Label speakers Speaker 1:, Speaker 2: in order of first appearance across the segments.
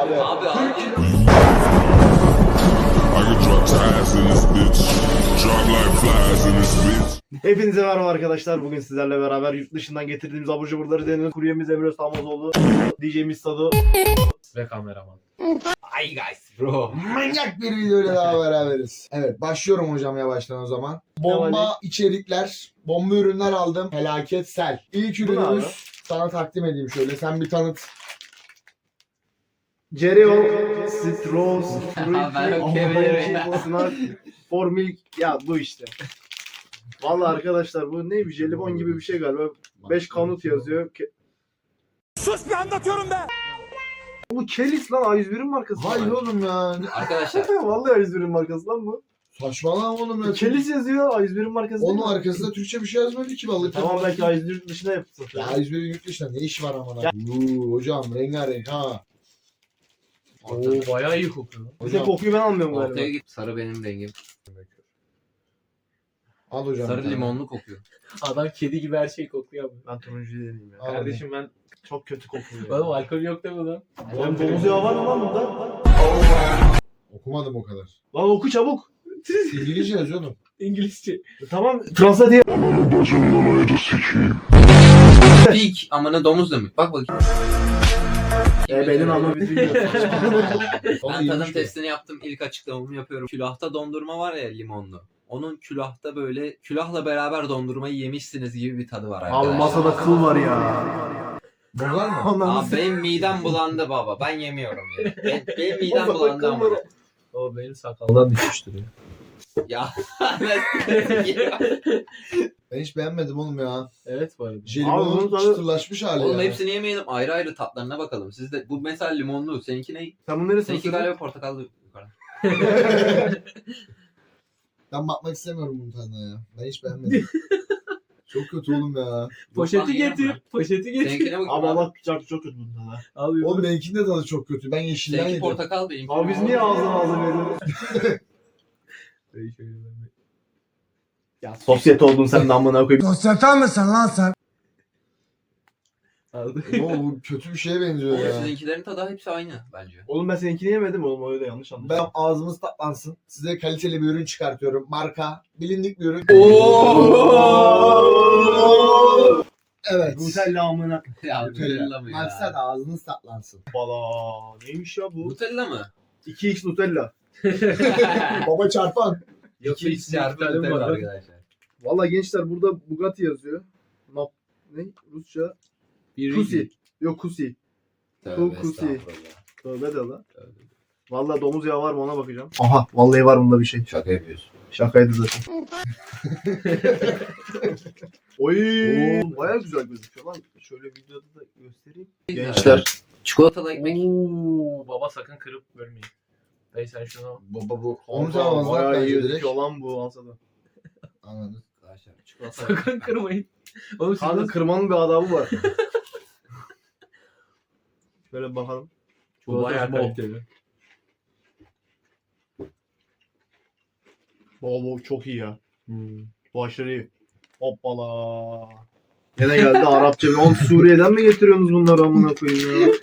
Speaker 1: Abi.
Speaker 2: Hepinize merhaba arkadaşlar. Bugün sizlerle beraber yurt dışından getirdiğimiz abur cuburları deniyoruz. Kuryemiz Emre Samozoğlu, DJ'miz Sado
Speaker 3: Ve kameraman.
Speaker 1: Hi guys bro.
Speaker 4: Manyak bir videoyla daha beraberiz. Evet, başlıyorum hocam yavaştan o zaman. Bomba içerikler, bomba ürünler aldım. Felaket sel. İlk
Speaker 2: Bu ne abi?
Speaker 4: ürünümüz sana takdim edeyim şöyle. Sen bir tanıt.
Speaker 2: Cereo, Citrus,
Speaker 1: Ben okuyabilirim ya.
Speaker 2: Sınar, Formil, ya bu işte. Vallahi arkadaşlar bu ne, bir jelibon gibi bir şey galiba. 5 kanut yazıyor.
Speaker 5: Sus be, anlatıyorum be.
Speaker 2: Bu Kelis lan, A101'in markası.
Speaker 4: Hayır oğlum ya.
Speaker 1: Arkadaşlar
Speaker 2: Vallahi A101'in markası lan bu.
Speaker 4: Saçmalama oğlum ya.
Speaker 2: Kelis yazıyor, A101'in markası değil
Speaker 4: Onun
Speaker 2: mi?
Speaker 4: arkasında Türkçe bir şey yazmadı ki vallahi.
Speaker 2: Tamam, belki A101 yurt dışına yapsın.
Speaker 4: Ya A101 yurt dışında ne iş var amına? Hocam rengarenk ha.
Speaker 3: Oo bayağı iyi kokuyor.
Speaker 2: Bir tek kokuyu ben almıyorum
Speaker 1: ortaya
Speaker 2: galiba.
Speaker 1: git. Sarı benim rengim.
Speaker 4: Al hocam.
Speaker 1: Sarı
Speaker 4: bir tane.
Speaker 1: limonlu kokuyor.
Speaker 3: Adam kedi gibi her şeyi kokluyor abi.
Speaker 2: Ben turuncu deneyim ya.
Speaker 4: Al
Speaker 3: Kardeşim ben...
Speaker 2: Çok kötü kokuyor.
Speaker 3: Oğlum alkol yok değil mi lan?
Speaker 2: Oğlum domuz yağı var mı lan bunda?
Speaker 4: Okumadım o kadar.
Speaker 2: Lan oku çabuk.
Speaker 4: İngilizce yazıyor oğlum.
Speaker 3: İngilizce.
Speaker 2: Tamam. Translate diye.
Speaker 1: Pik amına domuz demek. Bak bakayım.
Speaker 2: Benim ama bir dünya.
Speaker 1: Ben
Speaker 4: Vallahi
Speaker 1: tadım
Speaker 4: iyiymiş bu.
Speaker 1: testini yaptım. İlk açıklamamı yapıyorum. Külahta dondurma var ya, limonlu. Onun külahta böyle külahla beraber dondurmayı yemişsiniz gibi bir tadı var
Speaker 2: Abi
Speaker 1: arkadaşlar.
Speaker 2: masada kıl var ya.
Speaker 4: Bunlar mı?
Speaker 2: Ondan
Speaker 1: Abi benim midem bulandı baba. Ben yemiyorum ya. Benim midem bulandı ama.
Speaker 3: O benim sakaldan düşmüştür ya.
Speaker 1: Ya.
Speaker 4: Ben hiç beğenmedim oğlum ya.
Speaker 3: Evet bu arada.
Speaker 2: Abi
Speaker 4: Jelibonun
Speaker 2: bunun tadı-
Speaker 4: çıtırlaşmış hali
Speaker 1: Oğlum
Speaker 4: ya.
Speaker 1: hepsini yemeyelim. Ayrı ayrı tatlarına bakalım. Siz de bu mesela limonlu. Seninki ne?
Speaker 2: Sen bunları
Speaker 1: Seninki galiba portakallı. Yukarı.
Speaker 4: Ben bakmak istemiyorum bunun tadına ya. Ben hiç beğenmedim. Çok kötü oğlum ya.
Speaker 3: Poşeti getir. Poşeti getir.
Speaker 1: Seninkine bakayım
Speaker 2: Abi
Speaker 1: abi.
Speaker 2: Allah çok kötü bunda da.
Speaker 3: Abi
Speaker 4: Oğlum benimkinin de tadı çok kötü. Ben yeşilden
Speaker 1: Seninki
Speaker 4: yedim.
Speaker 1: portakal benimki.
Speaker 2: Abi biz niye ağzına ağzına veriyoruz? Ya sosyete oldun sen de amına koyayım.
Speaker 5: Sosyete misin lan sen?
Speaker 3: Aldı.
Speaker 4: Oğlum bu kötü bir şeye benziyor
Speaker 1: Oğlum
Speaker 4: ya.
Speaker 1: sizinkilerin tadı hepsi aynı bence.
Speaker 2: Oğlum ben seninkini yemedim oğlum, öyle yanlış anladın.
Speaker 4: Ben ağzımız tatlansın. Size kaliteli bir ürün çıkartıyorum. Marka, bilindik bir ürün. Evet.
Speaker 2: Nutella amına.
Speaker 1: Ya Nutella mı ya?
Speaker 4: Maksat ağzınız tatlansın.
Speaker 2: Bala. Neymiş ya bu?
Speaker 1: Nutella mı?
Speaker 2: 2x Nutella.
Speaker 4: Baba çarpan.
Speaker 3: Yok
Speaker 1: İki
Speaker 3: hiç
Speaker 1: çarpı
Speaker 3: Nutella
Speaker 1: Nutella
Speaker 3: var.
Speaker 1: arkadaşlar.
Speaker 2: Valla gençler burada Bugatti yazıyor. Ne? Rusça?
Speaker 3: Bir
Speaker 2: Kusi. Yok Kusi.
Speaker 1: Tövbe
Speaker 2: Kusi.
Speaker 1: estağfurullah.
Speaker 2: Tövbe de la.
Speaker 1: Tövbe.
Speaker 2: Valla domuz yağı var mı ona bakacağım. Aha vallahi var bunda bir şey.
Speaker 1: Şaka yapıyorsun.
Speaker 2: Şakaydı zaten. Oy. Baya güzel gözüküyor lan. Şöyle videoda da göstereyim. Gençler.
Speaker 1: Çikolatalı ekmek.
Speaker 3: Oo baba sakın kırıp bölmeyin. Dayı sen şunu
Speaker 4: Baba bu. Onu
Speaker 2: Kanka,
Speaker 4: tamamlamak
Speaker 2: bayağı iyi
Speaker 4: bence direkt.
Speaker 2: gözüküyor lan bu alsada.
Speaker 4: Anladım.
Speaker 1: Arkadaşlar çikolata.
Speaker 3: sakın kırmayın. Oğlum siz
Speaker 2: Kanka
Speaker 3: nasıl...
Speaker 2: kırmanın bir adabı var. Şöyle bakalım.
Speaker 3: Bu bayağı
Speaker 2: Çikolatası bol.
Speaker 3: kaliteli.
Speaker 2: Bol çok iyi ya. Bu aşırı iyi. Hoppala. Yine geldi Arapça. Oğlum Suriye'den mi getiriyorsunuz bunları amına koyayım ya?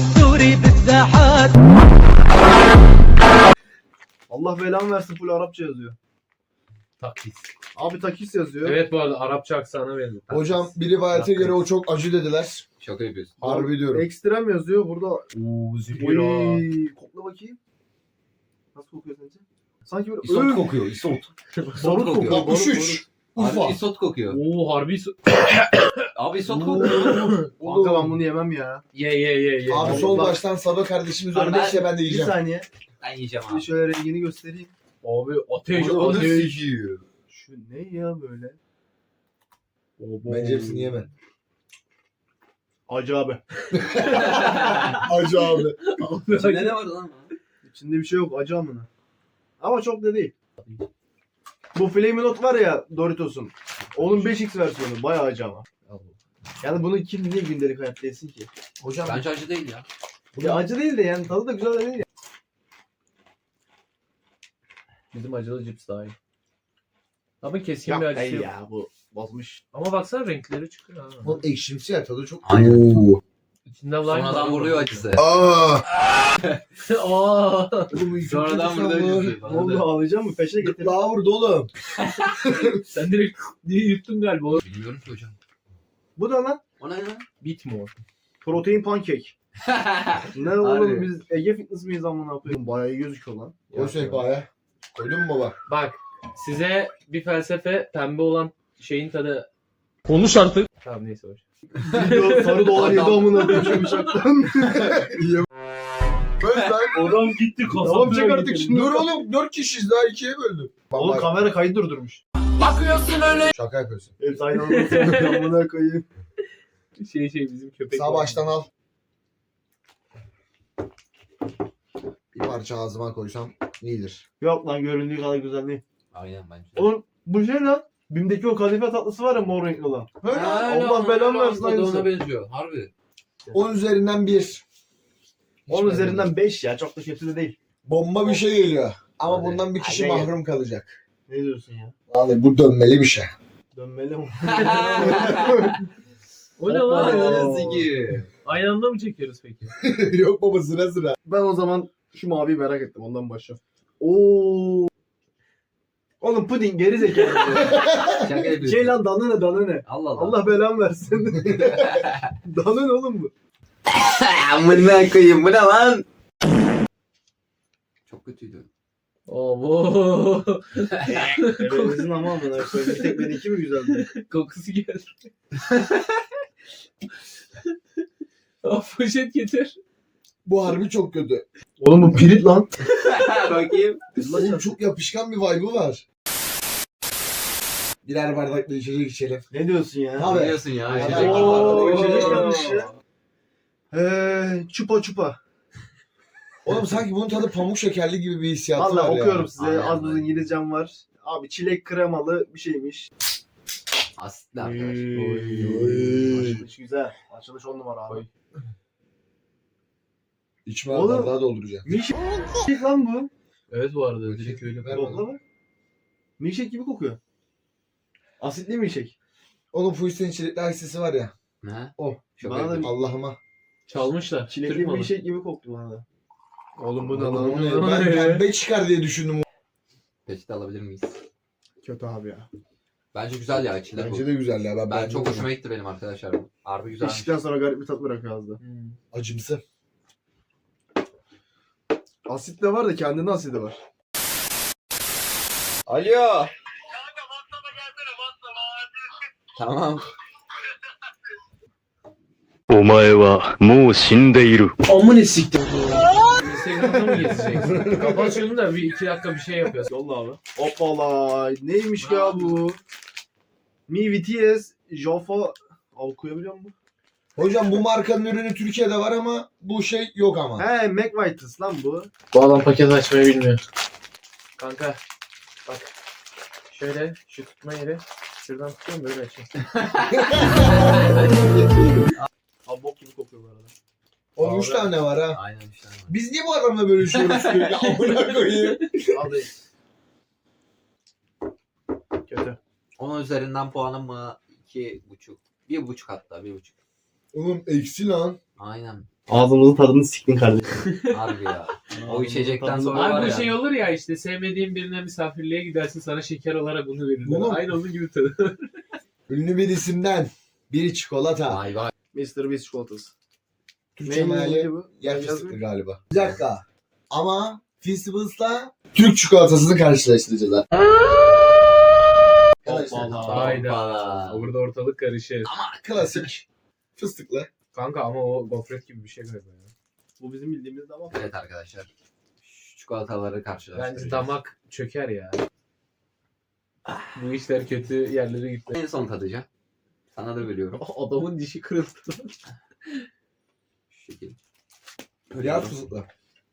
Speaker 2: Allah belamı versin, full Arapça yazıyor.
Speaker 3: Taklit.
Speaker 2: Abi takis yazıyor.
Speaker 3: Evet bu arada Arapça aksanı verin.
Speaker 4: Hocam bir rivayete göre o çok acı dediler.
Speaker 1: Şaka yapıyorsun.
Speaker 4: Harbi diyorum.
Speaker 2: Ekstrem yazıyor burada.
Speaker 3: Oo zühira.
Speaker 2: Oy, kokla bakayım. Nasıl kokuyor sence? Sanki böyle
Speaker 1: İsot kokuyor. Isot.
Speaker 2: Barut kokuyor.
Speaker 1: kokuyor.
Speaker 4: 63. Ufa.
Speaker 1: Abi isot kokuyor.
Speaker 3: Oo harbi
Speaker 1: Abi isot kokuyor.
Speaker 2: Kanka ben bunu yemem ya.
Speaker 3: ye.
Speaker 4: Abi sol baştan Sado kardeşimiz
Speaker 2: Abi
Speaker 4: örnek ya ben de
Speaker 2: Bir
Speaker 4: yiyeceğim.
Speaker 2: saniye.
Speaker 1: Ben yiyeceğim
Speaker 2: Bir
Speaker 1: abi.
Speaker 2: şöyle rengini göstereyim.
Speaker 3: Abi ateş
Speaker 4: Onu
Speaker 3: ateş.
Speaker 4: sikiyor.
Speaker 2: Şu ne ya böyle?
Speaker 4: Bence hepsini yeme.
Speaker 2: Acı abi.
Speaker 4: Acı abi.
Speaker 1: İçinde ne var lan?
Speaker 2: İçinde bir şey yok, acı amına. Ama çok da değil. Bu Flamin' Hot var ya Doritos'un. Onun 5x versiyonu bayağı acı ama. Yani bunu kim niye gündelik hayatta yesin ki?
Speaker 4: Hocam
Speaker 1: Bence acı değil ya.
Speaker 2: Ya acı değil de yani tadı da güzel de değil ya.
Speaker 3: Bizim acılı cips daha iyi. Ama keskin
Speaker 2: Yok
Speaker 3: bir acısı
Speaker 2: değil
Speaker 3: yok.
Speaker 2: ya, bu bozmuş.
Speaker 3: Ama baksana renkleri çıkıyor ha.
Speaker 4: bunun ekşimsi ya tadı çok.
Speaker 1: Aynen.
Speaker 4: Oo.
Speaker 3: İçinde lime var.
Speaker 1: Sonradan vuruyor acısı.
Speaker 4: Aa!
Speaker 3: Aa.
Speaker 1: Sonradan vuruyor acısı.
Speaker 2: Ne oldu ağlayacak mı? Peşe getir.
Speaker 4: Daha vurdu oğlum.
Speaker 3: Sen direkt diye yuttun galiba.
Speaker 1: Bilmiyorum ki hocam.
Speaker 2: Bu da lan.
Speaker 1: O ne lan?
Speaker 3: Bit mi o?
Speaker 2: Protein pancake. Ne oğlum
Speaker 1: Harbi.
Speaker 2: biz Ege Fitness miyiz amına koyayım? Bayağı iyi gözüküyor lan.
Speaker 4: Koy sehpaya. Koydun mu baba?
Speaker 3: Bak size bir felsefe pembe olan şeyin tadı.
Speaker 5: Konuş artık.
Speaker 3: Tamam neyse hoş.
Speaker 2: Video sarı dolar yedi amına koyayım şu bıçaktan.
Speaker 4: Böl lan.
Speaker 2: Adam gitti Tamam çek artık şunu.
Speaker 4: Dur oğlum 4 kişiyiz daha 2'ye böldüm.
Speaker 2: Oğlum kamera kaydı durdurmuş.
Speaker 4: Şaka yapıyorsun.
Speaker 2: Evet aynı anda amına koyayım.
Speaker 3: Şey bizim köpek.
Speaker 4: Sağ
Speaker 3: var.
Speaker 4: baştan al. Bir parça ağzıma koysam iyidir.
Speaker 2: Yok lan göründüğü kadar güzel değil.
Speaker 1: Aynen bence.
Speaker 2: Oğlum bu şey lan. Bim'deki o kadife tatlısı var ya mor renkli olan. Allah belanı versin aynısı.
Speaker 1: Ona benziyor. Harbi.
Speaker 4: 10 üzerinden 1.
Speaker 2: 10 üzerinden 5 ya çok da kötü de değil.
Speaker 4: Bomba bir şey geliyor. Ama
Speaker 1: Hadi.
Speaker 4: bundan bir kişi
Speaker 2: Hadi.
Speaker 4: mahrum kalacak.
Speaker 2: Ne diyorsun ya?
Speaker 4: Vallahi bu dönmeli bir şey.
Speaker 2: Dönmeli mi?
Speaker 3: O ne lan?
Speaker 2: Oo.
Speaker 1: Zigi.
Speaker 3: Aynı anda mı çekiyoruz peki?
Speaker 4: Yok baba sıra sıra.
Speaker 2: Ben o zaman şu maviyi merak ettim ondan başla. Oo. Oğlum puding geri zekalı.
Speaker 1: Şaka yapıyorsun.
Speaker 2: Şey lan danone danone.
Speaker 1: Allah Allah.
Speaker 2: Allah belamı versin. Danone oğlum bu.
Speaker 1: Amına koyayım bu ne lan? Çok kötüydü.
Speaker 3: Oo.
Speaker 2: Ebenizin ama amına koyayım. Bir tek benimki mi güzeldi?
Speaker 3: Kokusu geldi. Poşet getir.
Speaker 4: Bu harbi çok kötü.
Speaker 2: Oğlum bu pirit lan.
Speaker 1: Bakayım.
Speaker 4: Oğlum çok yapışkan bir vibe'ı var. Birer bardakla içecek içelim.
Speaker 2: Ne diyorsun ya?
Speaker 4: Abi.
Speaker 1: Biliyorsun ya.
Speaker 4: Ay,
Speaker 1: içecek
Speaker 4: ay,
Speaker 1: var.
Speaker 2: ay, içecek
Speaker 1: Oo.
Speaker 2: yanlışı. Çupa çupa.
Speaker 4: Oğlum sanki bunun tadı pamuk şekerli gibi bir hissiyatı
Speaker 2: Valla
Speaker 4: var
Speaker 2: okuyorum
Speaker 4: ya.
Speaker 2: size.
Speaker 1: Aynen,
Speaker 2: Az buz
Speaker 1: aynen.
Speaker 2: İngilizcem var. Abi çilek kremalı bir şeymiş.
Speaker 1: Asitli arkadaşlar.
Speaker 4: Oy.
Speaker 2: Açılış güzel. Açılış 10 numara abi.
Speaker 3: Oy.
Speaker 4: İçme
Speaker 2: Oğlum.
Speaker 4: bardağı dolduracağım.
Speaker 2: Milkshake lan bu.
Speaker 3: Evet bu arada direkt öyle.
Speaker 4: Ver
Speaker 2: Kokla
Speaker 4: bana.
Speaker 2: mı? Milkshake gibi kokuyor. Asitli milkshake.
Speaker 4: Oğlum Fuiste'nin çilekli aksesi var ya.
Speaker 1: Ne?
Speaker 2: O.
Speaker 1: Şaka
Speaker 2: Bana da
Speaker 1: yapıyorsun.
Speaker 4: Allah'ıma.
Speaker 3: Çalmışlar.
Speaker 2: çilekli
Speaker 3: Türk malı.
Speaker 2: milkshake gibi koktu bana da. Oğlum bu ne
Speaker 4: Oğlum,
Speaker 2: lan?
Speaker 4: o ne? Ben pembe çıkar diye düşündüm.
Speaker 1: Peçete alabilir miyiz?
Speaker 2: Kötü abi ya.
Speaker 1: Bence güzel ya içilir bu.
Speaker 4: Bence de güzel ya.
Speaker 1: Ben
Speaker 4: beğendim
Speaker 1: çok
Speaker 4: bunu.
Speaker 1: hoşuma gitti benim arkadaşlar. Harbi güzelmiş.
Speaker 2: İçtikten sonra garip bir tat bırakıyor ağızda.
Speaker 3: Hmm.
Speaker 4: Acımsı.
Speaker 2: Asit de var da kendinde asidi var.
Speaker 1: Alo. Tamam.
Speaker 6: お前はもう死んでいる。
Speaker 3: Amına siktir. Instagram'da mı gezeceksin? Kapat şunu da bir 2 dakika bir şey yapıyorsun.
Speaker 2: Yolla abi. Hoppala. Neymiş ya bu? Mi BTS Jaffa. Al okuyabiliyor musun?
Speaker 4: Hocam bu markanın ürünü Türkiye'de var ama bu şey yok ama.
Speaker 2: He McVitie's lan bu.
Speaker 3: Bu adam paket açmayı bilmiyor. Kanka bak. Şöyle şu tutma yeri. Şuradan tutuyorum böyle açayım.
Speaker 2: Abi bok gibi kokuyor bu arada.
Speaker 4: Onun 3 tane var ha.
Speaker 1: Aynen işte.
Speaker 4: Biz niye bu adamla bölüşüyoruz sürekli? Amına koyayım.
Speaker 2: Hadi. Kötü.
Speaker 1: 10 üzerinden puanım mı? 2,5. 1,5 hatta 1,5.
Speaker 4: Oğlum eksi lan.
Speaker 1: Aynen.
Speaker 2: Ağzımızın tadını siktin kardeşim.
Speaker 1: Harbi ya. O içecekten sonra
Speaker 3: Abi
Speaker 1: var
Speaker 3: bu
Speaker 1: ya.
Speaker 3: şey olur ya işte sevmediğin birine misafirliğe gidersin sana şeker olarak bunu verirler.
Speaker 4: Oğlum.
Speaker 3: Aynı onun gibi tadı.
Speaker 4: Ünlü bir isimden. Biri çikolata.
Speaker 1: Vay vay.
Speaker 2: Mr. Beast çikolatası.
Speaker 4: Türkçe meali
Speaker 2: Neydi bu?
Speaker 4: yer
Speaker 2: Ben
Speaker 4: fıstıklı
Speaker 2: yazayım.
Speaker 4: galiba. Bir dakika. Ama Festivus'la Türk çikolatasını karşılaştıracağız ha. Arkadaşlar,
Speaker 2: Hoppala.
Speaker 3: Hayda.
Speaker 1: Hoppala.
Speaker 3: Burada ortalık karışır.
Speaker 4: klasik. Fıstıklı.
Speaker 3: Kanka ama o gofret gibi bir şey galiba ya.
Speaker 2: Bu bizim bildiğimiz de ama.
Speaker 1: Evet arkadaşlar. Şu çikolataları karşılaştıracağız.
Speaker 3: Bence damak çöker ya. Bu işler kötü yerlere gitti.
Speaker 1: En son tadacağım. Sana da veriyorum.
Speaker 3: Adamın dişi kırıldı.
Speaker 1: Şu şekil.
Speaker 4: Yer fıstıklı.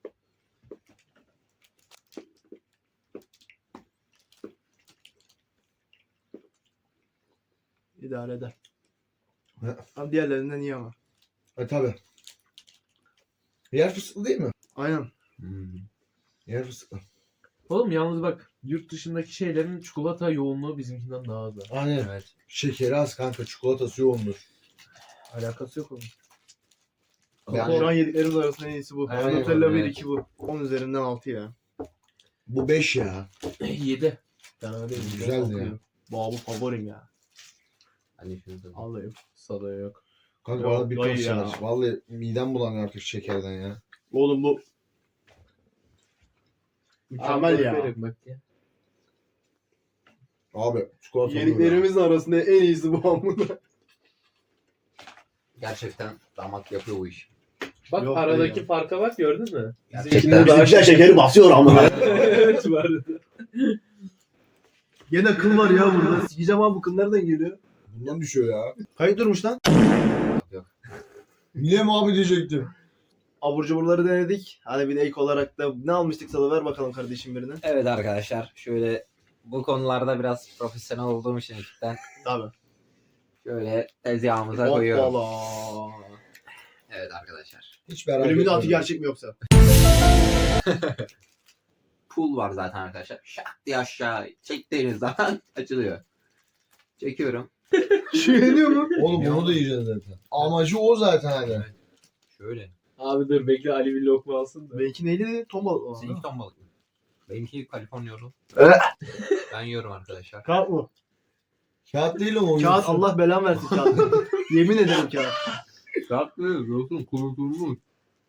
Speaker 2: İdare eder.
Speaker 4: Ne?
Speaker 2: Abi diğerlerinden iyi ama.
Speaker 4: Tabi. Yer fıstıklı değil mi?
Speaker 2: Aynen.
Speaker 1: Hmm.
Speaker 4: Yer fıstıklı.
Speaker 3: Oğlum yalnız bak yurt dışındaki şeylerin çikolata yoğunluğu bizimkinden daha az.
Speaker 4: Aynen.
Speaker 1: Evet.
Speaker 4: Şekeri az kanka. Çikolatası yoğundur.
Speaker 3: Alakası yok oğlum.
Speaker 2: Şu an yediklerimiz arasında en iyisi bu.
Speaker 3: Aynen,
Speaker 2: Nutella 1
Speaker 1: evet.
Speaker 2: 2 bu. 10 üzerinden 6 ya.
Speaker 4: Bu 5 ya.
Speaker 3: 7. Fena değil.
Speaker 4: Güzeldi ya.
Speaker 2: Bu favorim ya.
Speaker 1: Hani şunu da.
Speaker 2: Alayım.
Speaker 3: Sada yok.
Speaker 4: Kanka
Speaker 2: Yok,
Speaker 4: bana bir
Speaker 2: dayı
Speaker 4: tost
Speaker 2: ya.
Speaker 4: ver. Vallahi midem bulanıyor artık şekerden ya.
Speaker 2: Oğlum bu mükemmel ya.
Speaker 3: Bak ya.
Speaker 4: Abi çikolata olur ya.
Speaker 2: Yediklerimizin arasında en iyisi bu hamburger.
Speaker 1: Gerçekten damak yapıyor bu iş.
Speaker 3: Bak
Speaker 2: Yok
Speaker 3: aradaki
Speaker 2: ya.
Speaker 3: farka bak gördün mü?
Speaker 1: Gerçekten.
Speaker 2: Bizimkiler şekeri basıyor ama.
Speaker 3: Evet var.
Speaker 2: Gene kıl var ya burada. Sikeceğim abi bu kıl nereden geliyor?
Speaker 4: Bundan düşüyor ya.
Speaker 2: Kayıt durmuş lan.
Speaker 4: Niye mi abi diyecektim.
Speaker 2: Abur cuburları denedik. Hani bir de ek olarak da ne almıştık sana ver bakalım kardeşim birine.
Speaker 1: Evet arkadaşlar şöyle bu konularda biraz profesyonel olduğum için ekipten
Speaker 2: Tabii.
Speaker 1: şöyle tezgahımıza koyuyorum.
Speaker 2: Hoppala.
Speaker 1: Evet arkadaşlar.
Speaker 4: Hiç beraber.
Speaker 2: Ölümün atı gerçek mi yoksa?
Speaker 1: Pool var zaten arkadaşlar. Şak diye aşağı çektiğiniz zaman açılıyor. Çekiyorum.
Speaker 2: Yeniyor mu?
Speaker 4: Oğlum bunu da yiyeceğiz zaten. Amacı o zaten hani.
Speaker 1: Şöyle.
Speaker 3: Abi dur bekle Ali bir lokma alsın da.
Speaker 2: Benimki neydi dedi? Ton balığı.
Speaker 1: Seninki ton balık mı? Benimki Kaliforniya yolu. Ben yiyorum arkadaşlar.
Speaker 2: Kağıt mı?
Speaker 4: Kağıt değil ama o.
Speaker 2: Kağıt
Speaker 4: yosun.
Speaker 2: Allah belan versin kağıt. Yemin ederim kağıt.
Speaker 1: Tatlı, yosun, kurutulmuş.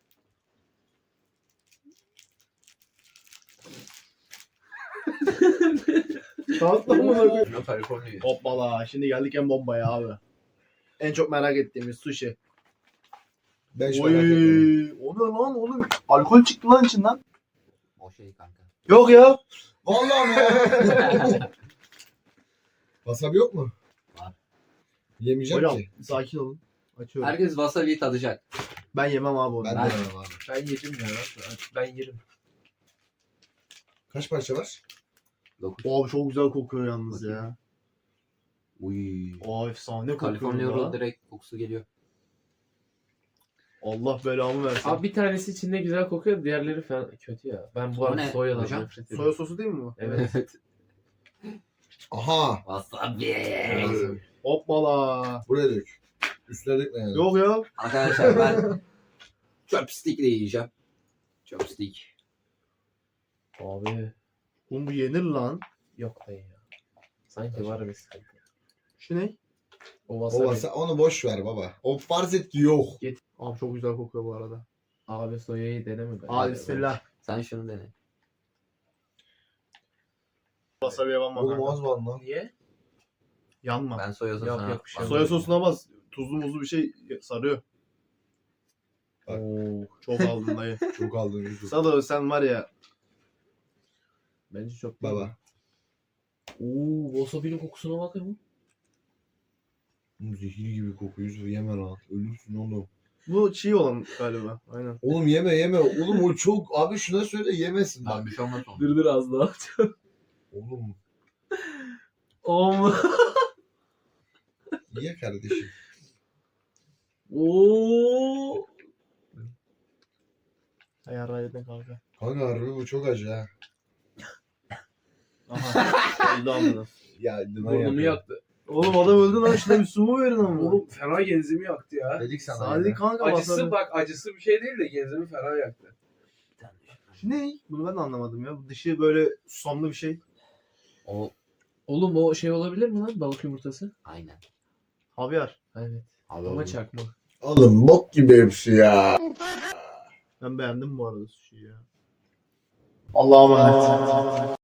Speaker 2: Kağıtla mı koyayım?
Speaker 1: Ben Kaliforniya.
Speaker 2: Hoppala. Şimdi geldik en bombaya abi. En çok merak ettiğimiz sushi.
Speaker 4: Ben hiç merak etmedim.
Speaker 2: Oy, o ne lan oğlum? Alkol çıktı lan içinden.
Speaker 1: O şey kanka.
Speaker 2: Yok ya.
Speaker 4: Vallahi mi ya? Wasabi yok mu?
Speaker 1: Var.
Speaker 4: Yemeyeceğim
Speaker 2: Hocam
Speaker 4: ki.
Speaker 2: sakin olun. Açıyorum.
Speaker 1: Herkes wasabi'yi tadacak.
Speaker 2: Ben yemem abi onu.
Speaker 4: Ben de yemem abi.
Speaker 3: Ben yedim ya. Ben yerim.
Speaker 4: Kaç parça var?
Speaker 1: 9.
Speaker 2: Abi çok güzel kokuyor yalnız ya.
Speaker 1: Uy.
Speaker 2: Aa efsane kokuyor
Speaker 1: Kaliforniya
Speaker 2: ya.
Speaker 1: yolu direkt kokusu geliyor.
Speaker 2: Allah belamı versin.
Speaker 3: Abi bir tanesi içinde güzel kokuyor, diğerleri falan kötü ya. Ben bu
Speaker 1: O
Speaker 3: arada
Speaker 1: ne
Speaker 3: soyadan
Speaker 1: hocam?
Speaker 3: nefret ediyorum.
Speaker 2: Soya sosu değil mi bu?
Speaker 3: Evet.
Speaker 4: Aha.
Speaker 1: Wasabi.
Speaker 2: Hoppala.
Speaker 4: Buraya dök. Üstüne dökme yani.
Speaker 2: Yok ya.
Speaker 1: Arkadaşlar ben chopstick de yiyeceğim. Chopstick.
Speaker 3: Abi
Speaker 2: Oğlum bu yenir lan.
Speaker 3: yok dayı ya. Sanki var bir sıkıntı.
Speaker 2: Şu ne?
Speaker 3: O
Speaker 4: O
Speaker 3: wasabi.
Speaker 4: onu boş ver baba. O farz et ki yok.
Speaker 2: Abi çok güzel kokuyor bu arada.
Speaker 3: Abi soyayı deneme be.
Speaker 2: Hadi bismillah.
Speaker 1: Sen şunu dene.
Speaker 2: Wasabi'ye banma
Speaker 4: Oğlum
Speaker 2: kanka.
Speaker 4: az var lan.
Speaker 3: Niye?
Speaker 2: Yanma.
Speaker 1: Ben soya sosuna...
Speaker 3: yok, bir şey
Speaker 2: Soya sosuna bas. Tuzlu muzlu bir şey sarıyor.
Speaker 4: Bak.
Speaker 3: Oo,
Speaker 2: Çok aldın dayı.
Speaker 4: Çok aldın Yusuf.
Speaker 2: Sado sen var ya.
Speaker 3: bence çok
Speaker 4: Baba.
Speaker 3: Oo, wasabi'nin kokusuna bakın mı?
Speaker 4: Zehir gibi kokuyor Yusuf yeme lan. Ölürsün oğlum.
Speaker 2: Bu çiğ olan galiba. Aynen.
Speaker 4: Oğlum yeme. Oğlum o çok. Abi şuna söyle yemesin
Speaker 1: Tamam
Speaker 4: bak.
Speaker 1: bir şey olmaz onu.
Speaker 3: Dur az daha.
Speaker 4: Oğlum
Speaker 3: Om.
Speaker 4: ye kardeşim.
Speaker 3: Oo.
Speaker 2: Ayar ayardan kanka.
Speaker 4: Kanka harbi bu çok acı ha.
Speaker 2: Aha. Öldü amına.
Speaker 4: Ya dınan
Speaker 3: Burnumu
Speaker 4: yapıyor.
Speaker 3: yaktı.
Speaker 2: Oğlum adam öldü lan. Şuna bir su mu verin ama?
Speaker 3: Oğlum fena genzimi yaktı ya.
Speaker 4: Dedik sana.
Speaker 2: Sadece
Speaker 4: ya.
Speaker 2: kanka
Speaker 3: Acısı
Speaker 2: wasabi.
Speaker 3: bak acısı bir şey değil de genzimi fena yaktı.
Speaker 2: Şu ne? Bunu ben de anlamadım ya. Bu dışı böyle susamlı bir şey.
Speaker 1: O
Speaker 3: Oğlum o şey olabilir mi lan balık yumurtası?
Speaker 1: aynen.
Speaker 2: Havyar.
Speaker 3: Evet.
Speaker 1: Abi
Speaker 3: Ama
Speaker 1: oğlum.
Speaker 3: çakma.
Speaker 4: Oğlum bok gibi hepsi ya.
Speaker 2: Ben beğendim bu arada sushi'yi ya. Allah'a emanet.